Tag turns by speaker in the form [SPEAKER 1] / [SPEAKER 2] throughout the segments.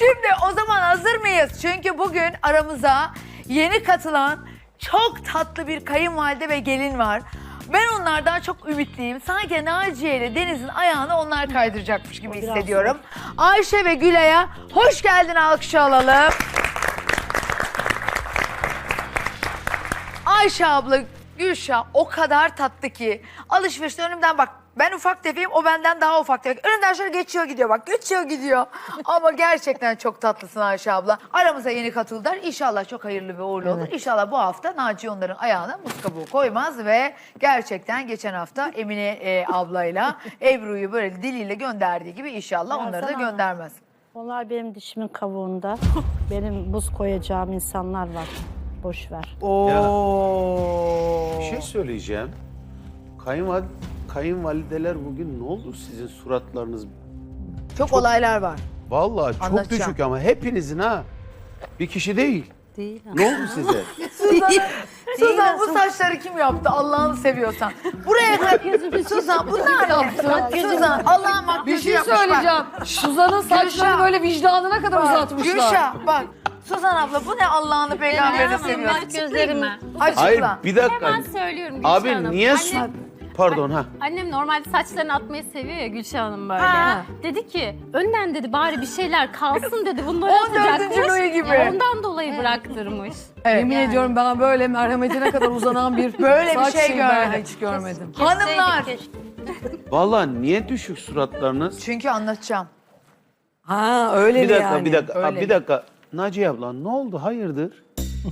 [SPEAKER 1] Şimdi o zaman hazır mıyız? Çünkü bugün aramıza yeni katılan çok tatlı bir kayınvalide ve gelin var. Ben onlardan çok ümitliyim. Sanki Naciye ile Deniz'in ayağını onlar kaydıracakmış gibi hissediyorum. Ayşe ve Gülay'a hoş geldin, alkışı alalım. Ayşe abla, Gülşah o kadar tatlı ki. Alışverişte önümden bak. Ben ufak tefeyim, o benden daha ufak tefek. Önümden şöyle geçiyor gidiyor bak, geçiyor gidiyor. Ama gerçekten çok tatlısın Ayşe abla. Aramıza yeni katıldılar. İnşallah çok hayırlı ve uğurlu olur. İnşallah bu hafta Naciye onların ayağına muz kabuğu koymaz ve gerçekten geçen hafta Emine ablayla Ebru'yu böyle diliyle gönderdiği gibi inşallah onları da göndermez.
[SPEAKER 2] Onlar benim dişimin kavuğunda. Benim buz koyacağım insanlar var. Boş ver.
[SPEAKER 3] Bir şey söyleyeceğim. Kayınvalideler bugün ne oldu sizin suratlarınız?
[SPEAKER 1] Çok olaylar var.
[SPEAKER 3] Vallahi çok
[SPEAKER 1] Anlatacağım.
[SPEAKER 3] düşük ama hepinizin ha. Bir kişi değil.
[SPEAKER 2] Değil.
[SPEAKER 3] Ne oldu size?
[SPEAKER 1] Suzan bu saçları kim yaptı Allah'ını seviyorsan? Buraya kadar Suzan bunlar ne? Suzan Allah'ın makyajı
[SPEAKER 4] Bir şey
[SPEAKER 1] yapmış bak.
[SPEAKER 4] söyleyeceğim. Suzan'ın saçlarını
[SPEAKER 1] Gülşah.
[SPEAKER 4] böyle vicdanına kadar uzatmışlar.
[SPEAKER 1] Gülşah bak. Suzan abla bu ne Allah'ını peygamberini seviyorsun?
[SPEAKER 2] Gözlerimi
[SPEAKER 1] Açıkla.
[SPEAKER 3] Hayır bir dakika.
[SPEAKER 5] Hemen söylüyorum Gülşah
[SPEAKER 3] Abi
[SPEAKER 5] Hanım.
[SPEAKER 3] niye Pardon ha.
[SPEAKER 5] Annem normalde saçlarını atmayı seviyor ya Gülşah Hanım böyle.
[SPEAKER 1] Ha.
[SPEAKER 5] Dedi ki önden dedi bari bir şeyler kalsın dedi. Bunları
[SPEAKER 1] 14.
[SPEAKER 5] atacakmış.
[SPEAKER 1] Louis gibi.
[SPEAKER 5] Ondan dolayı bıraktırmış.
[SPEAKER 4] Yemin ediyorum ben böyle merhametine kadar uzanan bir
[SPEAKER 1] Böyle bir
[SPEAKER 4] saç
[SPEAKER 1] şey
[SPEAKER 4] şeyi ben
[SPEAKER 1] görmedim.
[SPEAKER 4] hiç görmedim.
[SPEAKER 1] Hanımlar.
[SPEAKER 3] Vallahi niye düşük suratlarınız?
[SPEAKER 1] Çünkü anlatacağım.
[SPEAKER 4] Ha öyle
[SPEAKER 3] Bir dakika
[SPEAKER 4] yani.
[SPEAKER 3] bir dakika.
[SPEAKER 1] öyle.
[SPEAKER 3] Bir dakika. Naciye abla ne oldu? Hayırdır?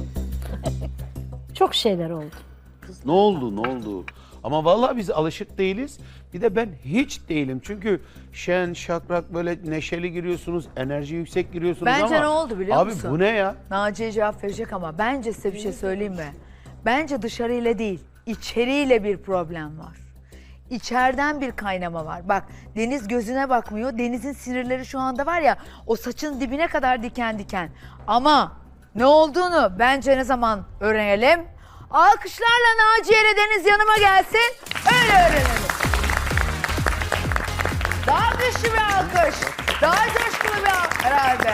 [SPEAKER 2] çok şeyler oldu.
[SPEAKER 3] Ne oldu? Ama vallahi biz alışık değiliz. Bir de ben hiç değilim. Çünkü şen, şakrak böyle neşeli giriyorsunuz, enerji yüksek giriyorsunuz
[SPEAKER 1] Bence
[SPEAKER 3] ama...
[SPEAKER 1] ne oldu biliyor
[SPEAKER 3] abi,
[SPEAKER 1] musun?
[SPEAKER 3] Abi bu ne ya?
[SPEAKER 1] Naciye cevap verecek ama bence size bir şey söyleyeyim mi? Bence dışarıyla değil, içeriyle bir problem var. İçeriden bir kaynama var. Bak Deniz gözüne bakmıyor. Deniz'in sinirleri şu anda var ya o saçın dibine kadar diken diken. Ama ne olduğunu bence ne zaman öğrenelim? Alkışlarla Naciye ile Deniz yanıma gelsin. Öyle öğrenelim. Daha güçlü bir alkış. Daha coşkulu bir alkış herhalde.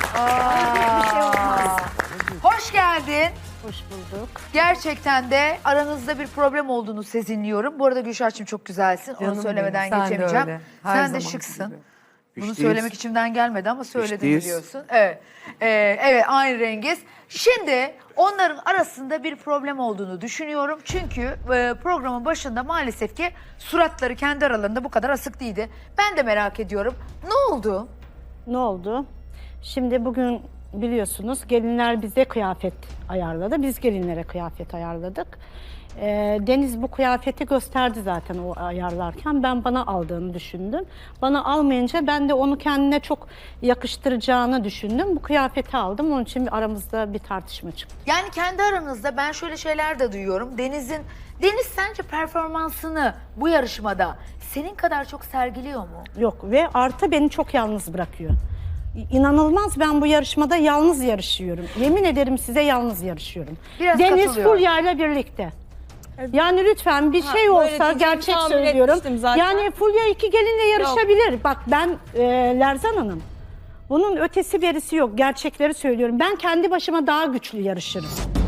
[SPEAKER 1] Hoş geldin.
[SPEAKER 2] Hoş bulduk.
[SPEAKER 1] Gerçekten de aranızda bir problem olduğunu sezinliyorum. Bu arada Gülşah'cığım çok güzelsin.
[SPEAKER 4] Canım
[SPEAKER 1] Onu söylemeden
[SPEAKER 4] benim, sen de
[SPEAKER 1] geçemeyeceğim.
[SPEAKER 4] öyle. Her
[SPEAKER 1] Sen de
[SPEAKER 4] zaman
[SPEAKER 1] şıksın.
[SPEAKER 4] gibi.
[SPEAKER 1] Bunu
[SPEAKER 3] Fişteyiz.
[SPEAKER 1] söylemek içimden gelmedi ama söyledim
[SPEAKER 3] Fişteyiz.
[SPEAKER 1] biliyorsun. Evet. Evet aynı rengiz. Şimdi onların arasında bir problem olduğunu düşünüyorum. Çünkü programın başında maalesef ki suratları kendi aralarında bu kadar asık değildi. Ben de merak ediyorum. Ne oldu?
[SPEAKER 2] Ne oldu? Şimdi bugün biliyorsunuz gelinler bize kıyafet ayarladı. Biz gelinlere kıyafet ayarladık. Deniz bu kıyafeti gösterdi zaten o ayarlarken. Ben bana aldığını düşündüm. Bana almayınca ben de onu kendine çok yakıştıracağını düşündüm. Bu kıyafeti aldım. Onun için aramızda bir tartışma çıktı.
[SPEAKER 1] Yani kendi aranızda ben şöyle şeyler de duyuyorum. Deniz sence performansını bu yarışmada senin kadar çok sergiliyor mu?
[SPEAKER 2] Yok ve artı beni çok yalnız bırakıyor. İnanılmaz, ben bu yarışmada yalnız yarışıyorum. Yemin ederim size yalnız yarışıyorum.
[SPEAKER 1] Biraz
[SPEAKER 2] Deniz
[SPEAKER 1] katılıyorum.
[SPEAKER 2] Fulya ile birlikte. Yani lütfen bir şey olsa gerçek söylüyorum. Yani Fulya iki gelinle yarışabilir. Bak ben Lerzan Hanım. Bunun ötesi berisi yok. Gerçekleri söylüyorum. Ben kendi başıma daha güçlü yarışırım.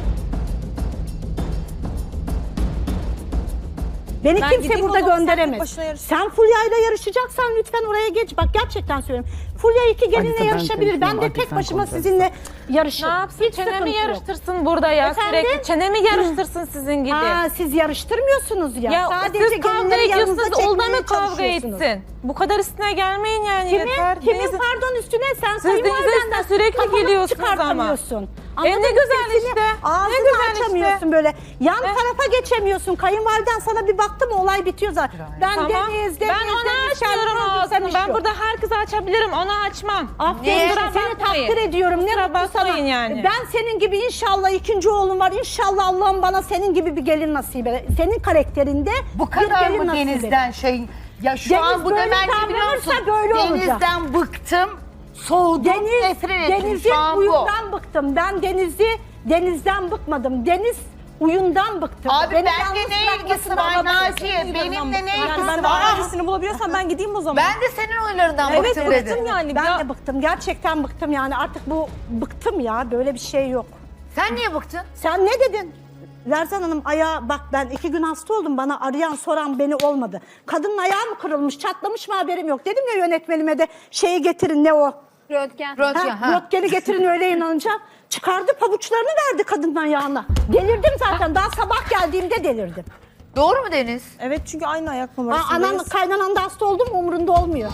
[SPEAKER 2] Beni kimse burada gönderemez. Sen Fulya ile yarışacaksan lütfen oraya geç. Bak gerçekten söylüyorum. Fulya iki gelinle
[SPEAKER 4] ben
[SPEAKER 2] yarışabilir. Ben de
[SPEAKER 4] konuşayım,
[SPEAKER 2] tek
[SPEAKER 4] sen
[SPEAKER 2] başıma
[SPEAKER 4] konuş.
[SPEAKER 2] sizinle yarışırım.
[SPEAKER 6] Ne yapsın?
[SPEAKER 2] Hiç
[SPEAKER 6] Çenemi
[SPEAKER 2] sıkıntı yok.
[SPEAKER 6] yarıştırsın burada ya
[SPEAKER 2] Efendim?
[SPEAKER 6] sürekli. Çenemi yarıştırsın sizin gibi.
[SPEAKER 2] Ha, siz yarıştırmıyorsunuz ya.
[SPEAKER 6] Ya
[SPEAKER 2] Sadece
[SPEAKER 6] siz kavga
[SPEAKER 2] gelinleri yanınıza
[SPEAKER 6] ediyorsunuz, onunla
[SPEAKER 2] çekmeye
[SPEAKER 6] mı kavga
[SPEAKER 2] çalışıyorsunuz.
[SPEAKER 6] etsin? Bu kadar üstüne gelmeyin yani yeter.
[SPEAKER 2] Kimin
[SPEAKER 6] Deniz'in-
[SPEAKER 2] pardon üstüne sen
[SPEAKER 6] Siz Deniz'in
[SPEAKER 2] kayınvalidenden
[SPEAKER 6] üstüne sürekli
[SPEAKER 2] kafanı
[SPEAKER 6] geliyorsunuz ama.
[SPEAKER 2] çıkartamıyorsun.
[SPEAKER 6] ne
[SPEAKER 2] Anladın mı?
[SPEAKER 6] güzel
[SPEAKER 2] Sesini,
[SPEAKER 6] işte, ne
[SPEAKER 2] Ağzını
[SPEAKER 6] güzel işte.
[SPEAKER 2] açamıyorsun böyle. Yan tarafa geçemiyorsun. Kayınvaliden sana bir baktı mı olay bitiyor zaten. Ben
[SPEAKER 6] Tamam.
[SPEAKER 2] Deniz,
[SPEAKER 6] Ben ona açmıyorum ağzını. Ben burada herkese açabilirim. Ona açmam.
[SPEAKER 2] Aferin,
[SPEAKER 6] Kusura
[SPEAKER 2] seni
[SPEAKER 6] bakmayın.
[SPEAKER 2] takdir ediyorum. Ne
[SPEAKER 6] Kusura
[SPEAKER 2] mutlu sana.
[SPEAKER 6] bakmayın yani.
[SPEAKER 2] Ben senin gibi inşallah ikinci oğlum var. İnşallah Allah'ım bana senin gibi bir gelin nasip eder. Senin karakterinde
[SPEAKER 1] Bu
[SPEAKER 2] bir
[SPEAKER 1] kadar
[SPEAKER 2] gelin
[SPEAKER 1] mı
[SPEAKER 2] nasip eder.
[SPEAKER 1] Deniz'den şey... Ya şu
[SPEAKER 2] Deniz
[SPEAKER 1] an bu
[SPEAKER 2] böyle
[SPEAKER 1] demen ne biliyor musun?
[SPEAKER 2] davranırsa böyle olacak.
[SPEAKER 1] Deniz'den bıktım, soğudum, nefret ettim
[SPEAKER 2] Deniz'in
[SPEAKER 1] şu an bu.
[SPEAKER 2] huyundan bıktım. Ben Deniz'den bıkmadım. Deniz Uyundan bıktım.
[SPEAKER 7] Abi
[SPEAKER 2] Beni
[SPEAKER 7] bende
[SPEAKER 2] yalnız
[SPEAKER 7] ne ilgisi
[SPEAKER 2] bırakmasını
[SPEAKER 7] var
[SPEAKER 2] anlamıyorum.
[SPEAKER 7] Naciye? Benimle ne ilgisi
[SPEAKER 6] Ben
[SPEAKER 7] var?
[SPEAKER 6] hangisini bulabiliyorsam ben gideyim o zaman.
[SPEAKER 1] Ben de senin oylarından
[SPEAKER 6] Evet
[SPEAKER 1] bıktım dedi.
[SPEAKER 6] bıktım yani.
[SPEAKER 2] Ben
[SPEAKER 6] Ya-
[SPEAKER 2] de bıktım. Gerçekten bıktım yani. Artık bu bıktım ya. Böyle bir şey yok.
[SPEAKER 1] Sen niye bıktın?
[SPEAKER 2] Sen ne dedin? Lerzan Hanım ayağı bak ben 2 gün hasta oldum. Bana arayan soran beni olmadı. Kadının ayağı mı kırılmış, çatlamış mı haberim yok. Dedim ya yönetmenime de şeyi getirin ne o?
[SPEAKER 5] Röntgen.
[SPEAKER 1] Röntgen, ha.
[SPEAKER 2] Röntgeni getirin öyle inanacağım. Çıkardı pabuçlarını verdi kadının ayağına. Delirdim zaten. Daha sabah geldiğimde delirdim.
[SPEAKER 1] Doğru mu Deniz?
[SPEAKER 6] Evet çünkü aynı ayak
[SPEAKER 2] Aa,
[SPEAKER 6] numarasındayız.
[SPEAKER 2] anan kaynanan da hasta oldu mu umurunda olmuyor.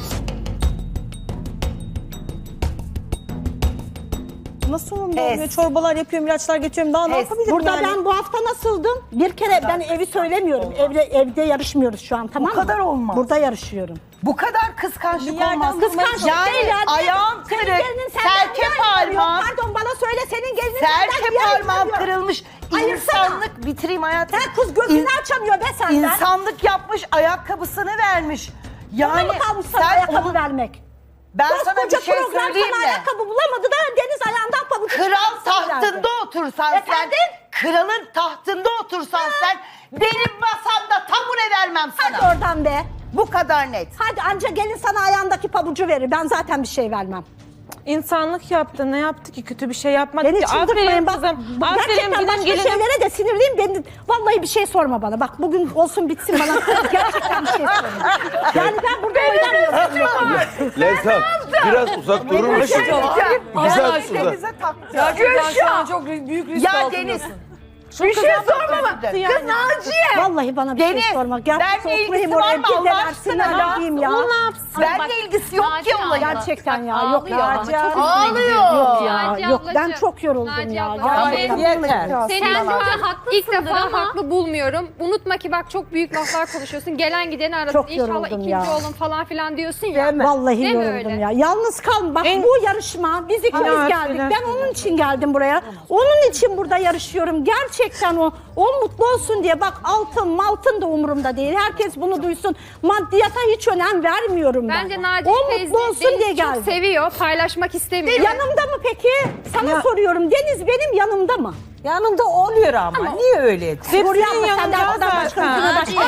[SPEAKER 6] Nasıl olmuyor? Çorbalar yapıyorum, ilaçlar geçiyorum. Daha ne yapabilirim
[SPEAKER 2] Burada
[SPEAKER 6] yani?
[SPEAKER 2] ben bu hafta nasıldım? Bir kere ben evi söylemiyorum. Evde yarışmıyoruz şu an tamam mı?
[SPEAKER 7] kadar olmaz.
[SPEAKER 2] Burada yarışıyorum.
[SPEAKER 7] Bu kadar kıskançlık
[SPEAKER 6] Bir yerden
[SPEAKER 7] olmaz.
[SPEAKER 2] Kıskançlık
[SPEAKER 7] Yani
[SPEAKER 2] değil yani.
[SPEAKER 7] ayağım
[SPEAKER 2] Senin
[SPEAKER 7] kırık,
[SPEAKER 2] gelinin senden
[SPEAKER 7] serçe
[SPEAKER 2] niye ayrılıyor?
[SPEAKER 7] parmağım,
[SPEAKER 2] Pardon bana söyle senin gelinin senden
[SPEAKER 7] serçe
[SPEAKER 2] niye
[SPEAKER 7] parmağım
[SPEAKER 2] ayrılıyor?
[SPEAKER 7] kırılmış.
[SPEAKER 2] Ayırsana.
[SPEAKER 7] İnsanlık bitireyim hayatım.
[SPEAKER 2] Sen kız gözünü açamıyor be senden.
[SPEAKER 7] İnsanlık yapmış, ayakkabısını vermiş.
[SPEAKER 2] Bana
[SPEAKER 7] Yani
[SPEAKER 2] mı kalmış sana ayakkabı
[SPEAKER 7] onu-
[SPEAKER 2] vermek?
[SPEAKER 7] Ben sana bir
[SPEAKER 2] Koskoca
[SPEAKER 7] şey
[SPEAKER 2] program
[SPEAKER 7] söyleyeyim
[SPEAKER 2] sana
[SPEAKER 7] mi?
[SPEAKER 2] ayakkabı bulamadı da Deniz ayağından pabuç.
[SPEAKER 7] Kral tahtında otursan
[SPEAKER 2] Efendim?
[SPEAKER 7] sen, kralın tahtında otursan sen, benim masamda tabure vermem sana.
[SPEAKER 2] Hadi oradan be.
[SPEAKER 7] Bu kadar net.
[SPEAKER 2] Hadi anca gelin sana ayağındaki pabucu verir. Ben zaten bir şey vermem.
[SPEAKER 6] İnsanlık yaptı. Ne yaptı ki? Kötü bir şey yapmadı
[SPEAKER 2] Beni
[SPEAKER 6] ki.
[SPEAKER 2] çıldırtmayın bak.
[SPEAKER 6] Kızım.
[SPEAKER 2] Gerçekten
[SPEAKER 6] Aferin
[SPEAKER 2] başka
[SPEAKER 6] gelinim.
[SPEAKER 2] şeylere de sinirliyim. Ben, vallahi bir şey sorma bana. Bak bugün olsun bitsin bana. Gerçekten bir şey sorma. Yani ben burada oynamıyorum.
[SPEAKER 3] Lerzan biraz uzak durur musun? Biraz uzak.
[SPEAKER 4] Ya Gülşah. Çok büyük risk
[SPEAKER 7] Ya
[SPEAKER 4] altındasın.
[SPEAKER 7] Deniz,
[SPEAKER 1] Bir şey sorma bak. Kız
[SPEAKER 7] Yani.
[SPEAKER 1] Naciye.
[SPEAKER 2] Vallahi bana bir
[SPEAKER 7] Deniz,
[SPEAKER 2] şey sorma. Gerçekten
[SPEAKER 7] benle
[SPEAKER 2] oturayım
[SPEAKER 7] ilgisi var
[SPEAKER 2] oraya
[SPEAKER 7] mı
[SPEAKER 2] bir
[SPEAKER 7] Allah
[SPEAKER 2] de
[SPEAKER 7] aşkına
[SPEAKER 2] versinler
[SPEAKER 7] ya?
[SPEAKER 2] gideyim ya.
[SPEAKER 5] O ne yapsın?
[SPEAKER 7] benle
[SPEAKER 5] Bak,
[SPEAKER 7] ilgisi yok ki
[SPEAKER 5] Naciye
[SPEAKER 7] olayın.
[SPEAKER 5] abla.
[SPEAKER 2] Gerçekten ya.
[SPEAKER 5] Bak,
[SPEAKER 2] Yok ya.
[SPEAKER 5] ağlıyor ama çok
[SPEAKER 1] Ağlıyor.
[SPEAKER 2] Yok ya.
[SPEAKER 5] Naciye
[SPEAKER 2] Yok ben
[SPEAKER 5] ablacığım,
[SPEAKER 2] çok yoruldum
[SPEAKER 5] Naciye
[SPEAKER 2] ya.
[SPEAKER 5] abla,
[SPEAKER 2] Gerçekten
[SPEAKER 7] yeter.
[SPEAKER 2] yoruldum.
[SPEAKER 5] Senin
[SPEAKER 6] Bence
[SPEAKER 5] ilk defa haklı bulmuyorum. Unutma ki bak çok büyük laflar konuşuyorsun. Gelen gideni arasın.
[SPEAKER 2] Çok
[SPEAKER 5] İnşallah
[SPEAKER 2] yoruldum
[SPEAKER 5] ikinci
[SPEAKER 2] ya.
[SPEAKER 5] olun falan filan diyorsun ya.
[SPEAKER 2] Vallahi
[SPEAKER 5] Değil mi
[SPEAKER 2] yoruldum
[SPEAKER 5] öyle?
[SPEAKER 2] ya. Yalnız kalma. Bak bu yarışma biz ikimiz
[SPEAKER 6] Aynen,
[SPEAKER 2] geldik.
[SPEAKER 6] öyle.
[SPEAKER 2] Ben onun için geldim buraya. Onun için burada yarışıyorum. Gerçekten o mutlu olsun diye. Bak altın da umurumda değil. Herkes bunu duysun. Maddiyata hiç önem vermiyorum ben.
[SPEAKER 5] Bence Naciye
[SPEAKER 2] o
[SPEAKER 5] teyze
[SPEAKER 2] mutlu olsun diye
[SPEAKER 5] Deniz'i çok
[SPEAKER 2] geldim.
[SPEAKER 5] seviyor. Paylaşmak istemiyor.
[SPEAKER 2] Yanımda mı peki? Sana soruyorum. Deniz benim yanımda mı?
[SPEAKER 7] Yanında oluyor ama. Niye öyle?
[SPEAKER 2] Huriye abla senden
[SPEAKER 6] yanımda
[SPEAKER 2] arkadan başka
[SPEAKER 6] zaten.
[SPEAKER 2] yüzüne başka.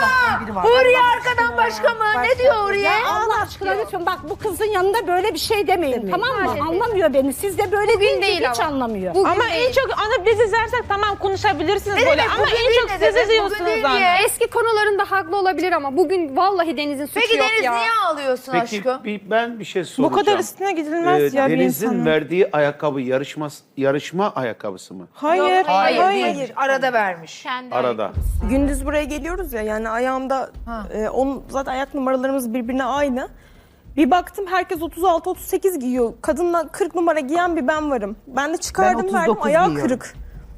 [SPEAKER 1] Huriye arkadan başka mı? Ne diyor Huriye?
[SPEAKER 2] Ya Allah aşkına lütfen bak bu kızın yanında böyle bir şey demeyin tamam mı?
[SPEAKER 5] Maalesef.
[SPEAKER 2] Anlamıyor beni. Siz de böyle
[SPEAKER 5] Bugün
[SPEAKER 2] deyince
[SPEAKER 5] değil
[SPEAKER 2] hiç
[SPEAKER 5] ama.
[SPEAKER 2] anlamıyor.
[SPEAKER 5] Bugün
[SPEAKER 6] Ama
[SPEAKER 5] değil.
[SPEAKER 6] en çok ana biz izlersek tamam konuşabilirsiniz böyle.
[SPEAKER 1] demek,
[SPEAKER 6] Ama
[SPEAKER 1] bugün
[SPEAKER 6] en
[SPEAKER 1] değil
[SPEAKER 6] çok
[SPEAKER 1] ne
[SPEAKER 6] siz
[SPEAKER 1] demek? Bugün
[SPEAKER 6] izliyorsunuz
[SPEAKER 1] değil
[SPEAKER 6] anne.
[SPEAKER 1] diye.
[SPEAKER 5] Eski konularında haklı olabilir ama bugün vallahi Deniz'in suçu
[SPEAKER 1] Peki
[SPEAKER 5] yok
[SPEAKER 1] Deniz
[SPEAKER 5] ya.
[SPEAKER 1] niye ağlıyorsun
[SPEAKER 3] Peki
[SPEAKER 1] aşkım?
[SPEAKER 3] ben bir şey
[SPEAKER 6] Bu
[SPEAKER 3] soracağım.
[SPEAKER 6] kadar üstüne gidilmez ya bir
[SPEAKER 3] Deniz'in
[SPEAKER 6] insanın.
[SPEAKER 3] verdiği ayakkabı
[SPEAKER 8] yarışma ayakkabısı mı?
[SPEAKER 6] Hayır.
[SPEAKER 1] Hayır. Arada vermiş.
[SPEAKER 5] Kendi
[SPEAKER 8] Arada.
[SPEAKER 9] Gündüz buraya geliyoruz ya yani ayağımda onun zaten ayak numaralarımız birbirine aynı. Bir baktım herkes 36-38 giyiyor. Kadınla 40 numara giyen bir ben varım. Ben de çıkardım verdim ayağı kırık.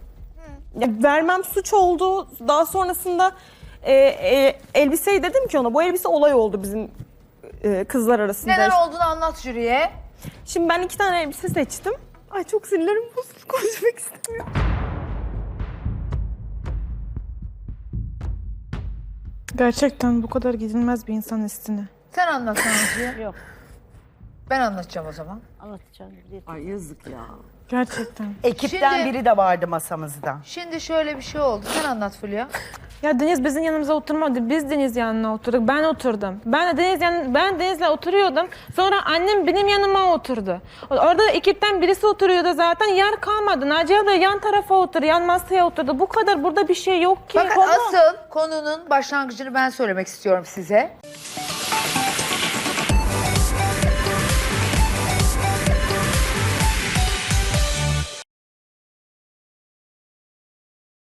[SPEAKER 9] Ya, vermem suç oldu. Daha sonrasında elbiseyi dedim ki ona bu elbise olay oldu bizim kızlar arasında.
[SPEAKER 1] Neden olduğunu anlat jüriye.
[SPEAKER 9] Şimdi ben 2 tane elbise seçtim. Ay çok sinirlerim bozuldu konuşmak istemiyorum.
[SPEAKER 6] Gerçekten bu kadar gidilmez bir insan üstüne.
[SPEAKER 1] Sen anlat Naciye.
[SPEAKER 2] Yok.
[SPEAKER 1] Ben anlatacağım o zaman.
[SPEAKER 2] Anlatacağım.
[SPEAKER 7] Ay yazık ya.
[SPEAKER 6] Gerçekten.
[SPEAKER 7] Ekipten
[SPEAKER 1] Şimdi-
[SPEAKER 7] biri de vardı masamızda.
[SPEAKER 1] Şimdi şöyle bir şey oldu. Sen anlat Fulya.
[SPEAKER 6] Ya Deniz bizim yanımıza oturmadı. Biz Deniz yanına oturduk. Ben oturdum. Ben Deniz'le oturuyordum. Sonra annem benim yanıma oturdu. Orada da ekipten birisi oturuyordu zaten. Yer kalmadı. Naciye abla yan tarafa oturdu. Yan masaya oturdu. Bu kadar burada bir şey yok ki.
[SPEAKER 1] Fakat asıl konunun başlangıcını ben söylemek istiyorum size.